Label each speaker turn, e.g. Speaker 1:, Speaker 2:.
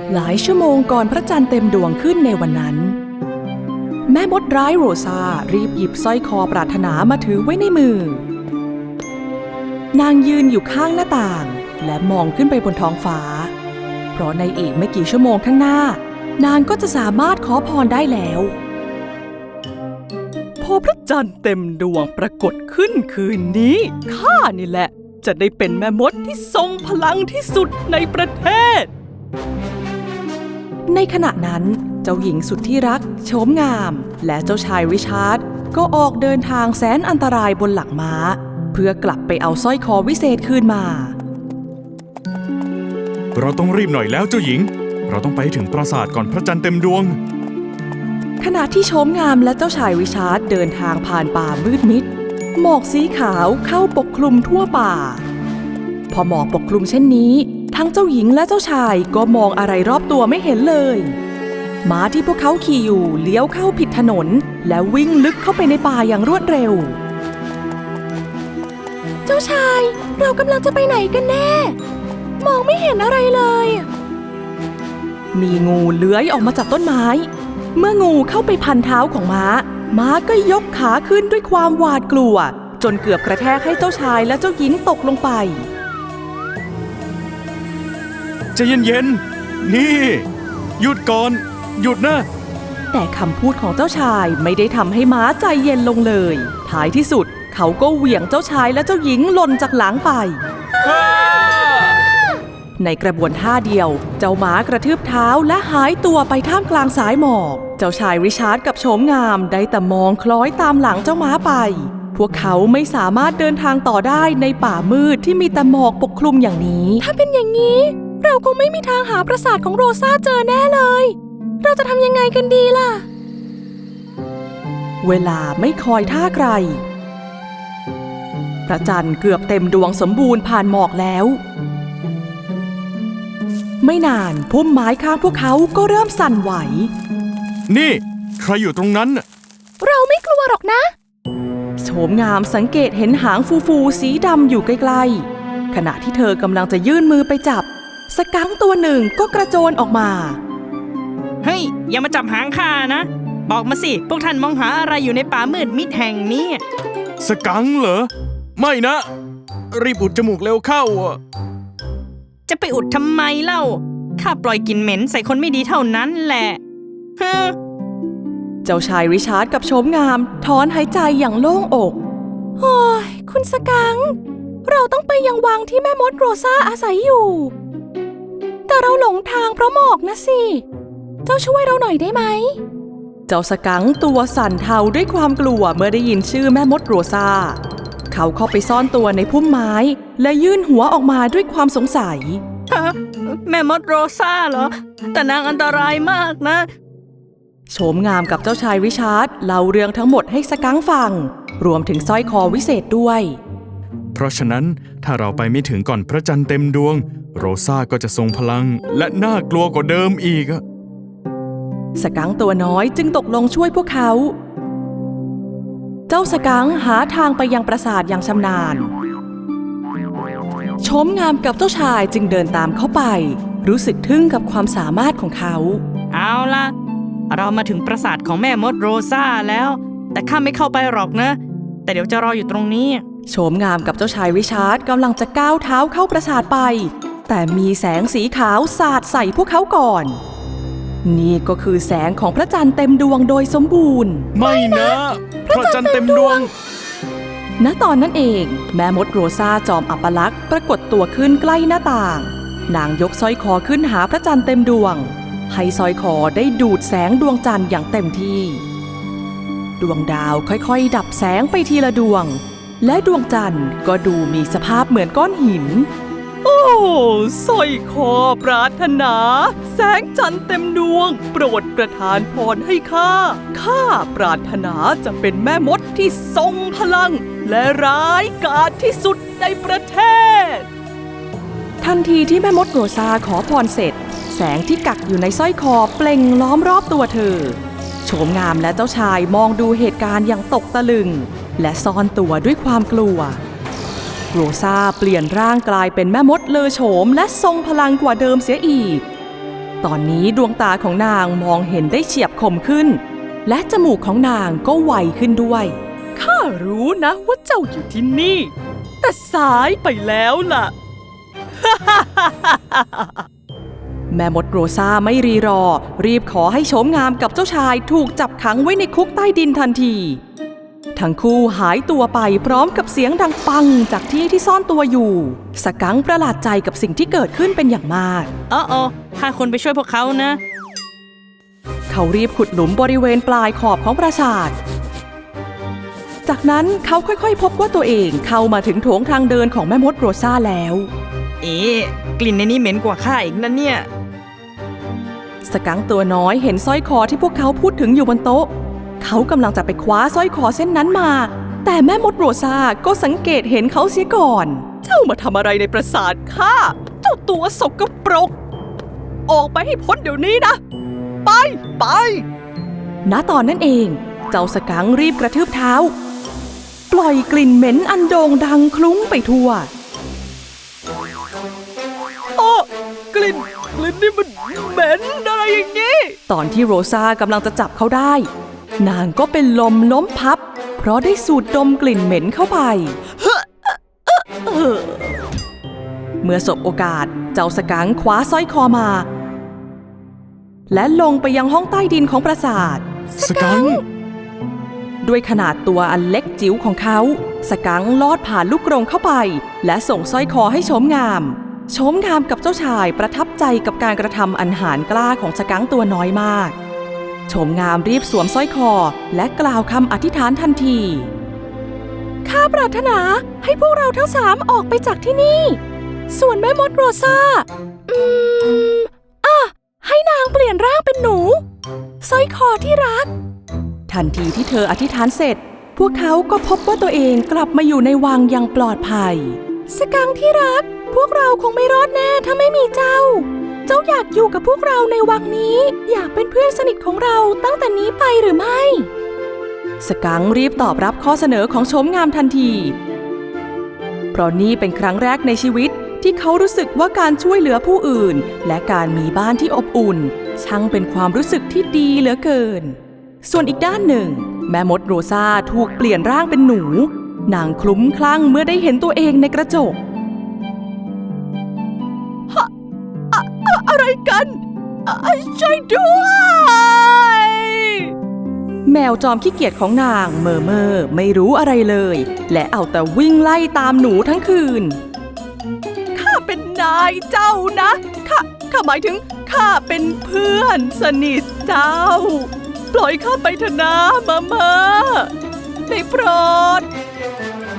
Speaker 1: หลายชั่วโมงก่อนพระจันทร์เต็มดวงขึ้นในวันนั้นแม่มดร้ายโรซารีบหยิบสร้อยคอปรารถนามาถือไว้ในมือนางยืนอยู่ข้างหน้าต่างและมองขึ้นไปบนท้องฟ้าเพราะในอีกไม่กี่ชั่วโมงข้างหน้านางก็จะสามารถขอพรได้แล้วพอพระจันทร์เต็มดวงปรากฏขึ้นคืนนี้ข้านี่แหละจะได้เป็นแม่มดที่ทรงพลังที่สุดในประเทศในขณะนั้นเจ้าหญิงสุดที่รักโฉมงามและเจ้าชายริชาร์ดก็ออกเดินทางแสนอันตรายบนหลังม้าเพื่อกลับไปเอาสร้อยคอวิเศษคืนมา
Speaker 2: เราต้องรีบหน่อยแล้วเจ้าหญิงเราต้องไปถึงปราสาทก่อนพระจันทร์เต็มดวง
Speaker 1: ขณะที่โฉมงามและเจ้าชายริชาร์ดเดินทางผ่านป่ามืดมิดหมอกสีขาวเข้าปกคลุมทั่วป่าพอหมอกปกคลุมเช่นนี้ทั้งเจ้าหญิงและเจ้าชายก็มองอะไรรอบตัวไม่เห็นเลยม้าที่พวกเขาขี่อยู่เลี้ยวเข้าผิดถนนและวิ่งลึกเข้าไปในป่าอย่างรวดเร็วเจ้าชายเรากำลังจะไปไหนกันแน่มองไม่เห็นอะไรเลยมีงูเลื้อยออกมาจากต้นไม้เมื่องูเข้าไปพันเท้าของม้าก็ยกขาขึ้นด้วยความหวาดกลัวจนเกือบกระแทกให้เจ้าชายและเจ้าหญิงตกลงไป
Speaker 2: ใจเย็นๆนี่หยุดก่อนหยุดนะ
Speaker 1: แต่คำพูดของเจ้าชายไม่ได้ทำให้ม้าใจเย็นลงเลยท้ายที่สุดเขาก็เหวี่ยงเจ้าชายและเจ้าหญิงหล่นจากหลังไปในกระบวนท่าเดียวเจ้าม้ากระทืบเท้าและหายตัวไปท่ามกลางสายหมอกเจ้าชายริชาร์ดกับโฉมงามได้แต่มองคล้อยตามหลังเจ้าม้าไปพวกเขาไม่สามารถเดินทางต่อได้ในป่ามืดที่มีแต่หมอกปกคลุมอย่างนี้ถ้าเป็นอย่างนี้เราคงไม่มีทางหาปราสาทของโรซาเจอแน่เลยเราจะทำยังไงกันดีล่ะเวลาไม่คอยท่าใครพระจันทร์เกือบเต็มดวงสมบูรณ์ผ่านหมอกแล้วไม่นานพุ่มไม้ข้างพวกเขาก็เริ่มสั่นไหว
Speaker 2: นี่ใครอยู่ตรงนั้น
Speaker 1: เราไม่กลัวหรอกนะโฉมงามสังเกตเห็นหางฟูๆสีดำอยู่ใกล้ๆขณะที่เธอกำลังจะยื่นมือไปจับสกังค์ตัวหนึ่งก็กระโจนออกมา
Speaker 3: เฮ้ยอย่ามาจับหางข้านะบอกมาสิพวกท่านมองหาอะไรอยู่ในป่ามืดมิดแห่งนี้
Speaker 2: สกังค์เหรอไม่นะรีบอุดจมูกเร็วเข้า
Speaker 3: จะไปอุดทำไมเล่าข้าปล่อยกลิ่นเหม็นใส่คนไม่ดีเท่านั้นแหละ
Speaker 1: เจ้าชายริชาร์ดกับโฉมงามถอนหายใจอย่างโล่งอกโอ้ยคุณสกังค์เราต้องไปยังวังที่แม่มดโรซาอาศัยอยู่แต่เราหลงทางเพราะหมอกนะสิเจ้าช่วยเราหน่อยได้ไหมเจ้าสกังค์ตัวสั่นเทาด้วยความกลัวเมื่อได้ยินชื่อแม่มดโรซาเขาเข้าไปซ่อนตัวในพุ่มไม้และยื่นหัวออกมาด้วยความสงสัย
Speaker 3: แม่มดโรซาเหรอแต่นางอันตรายมากนะ
Speaker 1: โฉมงามกับเจ้าชายริชาร์ดเล่าเรื่องทั้งหมดให้สกังค์ฟังรวมถึงสร้อยคอวิเศษด้วย
Speaker 2: เพราะฉะนั้นถ้าเราไปไม่ถึงก่อนพระจันทร์เต็มดวงโรซาก็จะทรงพลังและน่ากลัวกว่าเดิมอีก
Speaker 1: สกังค์ตัวน้อยจึงตกลงช่วยพวกเขาเจ้าสกังค์หาทางไปยังปราสาทอย่างชำนาญโฉมงามกับเจ้าชายจึงเดินตามเข้าไปรู้สึกทึ่งกับความสามารถของเขา
Speaker 3: เอาล่ะเรามาถึงปราสาทของแม่มดโรซาแล้วแต่ข้าไม่เข้าไปหรอกนะแต่เดี๋ยวจะรออยู่ตรงนี้
Speaker 1: โฉมงามกับเจ้าชายริชาร์ดกำลังจะก้าวเท้าเข้าปราสาทไปแต่มีแสงสีขาวสาดใส่พวกเขาก่อนนี่ก็คือแสงของพระจันทร์เต็มดวงโดยสมบูรณ์
Speaker 2: ไม่นะพระจันทร์เต็มดวง
Speaker 1: ณตอนนั้นเองแม่มดโรซาจอมอัปลักษณ์ปรากฏตัวขึ้นใกล้หน้าต่างนางยกสร้อยคอขึ้นหาพระจันทร์เต็มดวงให้สร้อยคอได้ดูดแสงดวงจันทร์อย่างเต็มที่ดวงดาวค่อยๆดับแสงไปทีละดวงและดวงจันทร์ก็ดูมีสภาพเหมือนก้อนหินโอ้สร้อยคอปรารถนาแสงจันทร์เต็มดวงโปรดประทานพรให้ข้าปรารถนาจะเป็นแม่มดที่ทรงพลังและร้ายกาจที่สุดในประเทศทันทีที่แม่มดโรซาขอพรเสร็จแสงที่กักอยู่ในสร้อยคอเปล่งล้อมรอบตัวเธอโฉมงามและเจ้าชายมองดูเหตุการณ์อย่างตกตะลึงและซ่อนตัวด้วยความกลัวโรซาเปลี่ยนร่างกลายเป็นแม่มดเลอโฉมและทรงพลังกว่าเดิมเสียอีกตอนนี้ดวงตาของนางมองเห็นได้เฉียบคมขึ้น และจมูกของนางก็ไวขึ้นด้วยข้ารู้นะว่าเจ้าอยู่ที่นี่ แต่สายไปแล้วล่ะ แม่มดโรซาไม่รีรอรีบขอให้โฉมงามกับเจ้าชายถูกจับขังไว้ในคุกใต้ดินทันทีทั้งคู่หายตัวไปพร้อมกับเสียงดังปังจากที่ซ่อนตัวอยู่สกังค์ประหลาดใจกับสิ่งที่เกิดขึ้นเป็นอย่างมาก
Speaker 3: ข้าควรไปช่วยพวกเขานะ
Speaker 1: เขารีบขุดหลุมบริเวณปลายขอบของปราสาทจากนั้นเขาค่อยๆพบว่าตัวเองเข้ามาถึงโถงทางเดินของแม่มดโรซาแล้ว
Speaker 3: กลิ่นในนี้เหม็นกว่าข้าอีกนะเนี่ย
Speaker 1: สกังค์ตัวน้อยเห็นสร้อยคอที่พวกเขาพูดถึงอยู่บนโต๊ะเขากำลังจะไปคว้าสร้อยคอเส้นนั้นมาแต่แม่มดโรซาก็สังเกตเห็นเขาเสียก่อนเจ้ามาทำอะไรในปราสาทข้าเจ้าตัวสกปรกออกไปให้พ้นเดี๋ยวนี้นะไปณตอนนั้นเองเจ้าสกังค์รีบกระทืบเท้าปล่อยกลิ่นเหม็นอันโด่งดังคลุ้งไปทั่วกลิ่นนี่มันเหม็นอะไรอย่างนี้ตอนที่โรซากำลังจะจับเขาได้นางก็เป็นลมล้มพับเพราะได้สูดดมกลิ่นเหม็นเข้าไปเมื่อสบโอกาสเจ้าสกังค์คว้าสร้อยคอมาและลงไปยังห้องใต้ดินของปราสาท
Speaker 2: สกังค์
Speaker 1: ด้วยขนาดตัวอันเล็กจิ๋วของเขาสกังค์ลอดผ่านลูกกรงเข้าไปและส่งสร้อยคอให้โฉมงามกับเจ้าชายประทับใจกับการกระทำอันหาญกล้าของสกังค์ตัวน้อยมากโฉมงามรีบสวมสร้อยคอและกล่าวคำอธิษฐานทันทีข้าปรารถนาให้พวกเราทั้งสามออกไปจากที่นี่ส่วนแม่มดโรซาให้นางเปลี่ยนร่างเป็นหนูสร้อยคอที่รักทันทีที่เธออธิษฐานเสร็จพวกเขาก็พบว่าตัวเองกลับมาอยู่ในวังอย่างปลอดภัยสกังค์ที่รักพวกเราคงไม่รอดแน่ถ้าไม่มีเจ้าอยากอยู่กับพวกเราในวังนี้อยากเป็นเพื่อนสนิทของเราตั้งแต่นี้ไปหรือไม่สกังค์รีบตอบรับข้อเสนอของโฉมงามทันทีเพราะนี่เป็นครั้งแรกในชีวิตที่เขารู้สึกว่าการช่วยเหลือผู้อื่นและการมีบ้านที่อบอุ่นช่างเป็นความรู้สึกที่ดีเหลือเกินส่วนอีกด้านหนึ่งแม่มดโรซาถูกเปลี่ยนร่างเป็นหนูนางคลุ้มคลั่งเมื่อได้เห็นตัวเองในกระจกอะไรกันช่วยด้วยแมวจอมขี้เกียจของนางเมอไม่รู้อะไรเลยและเอาแต่วิ่งไล่ตามหนูทั้งคืนข้าเป็นนายเจ้านะข้าหมายถึงข้าเป็นเพื่อนสนิทเจ้าปล่อยข้าไปเถอะนะเมอได้โปรด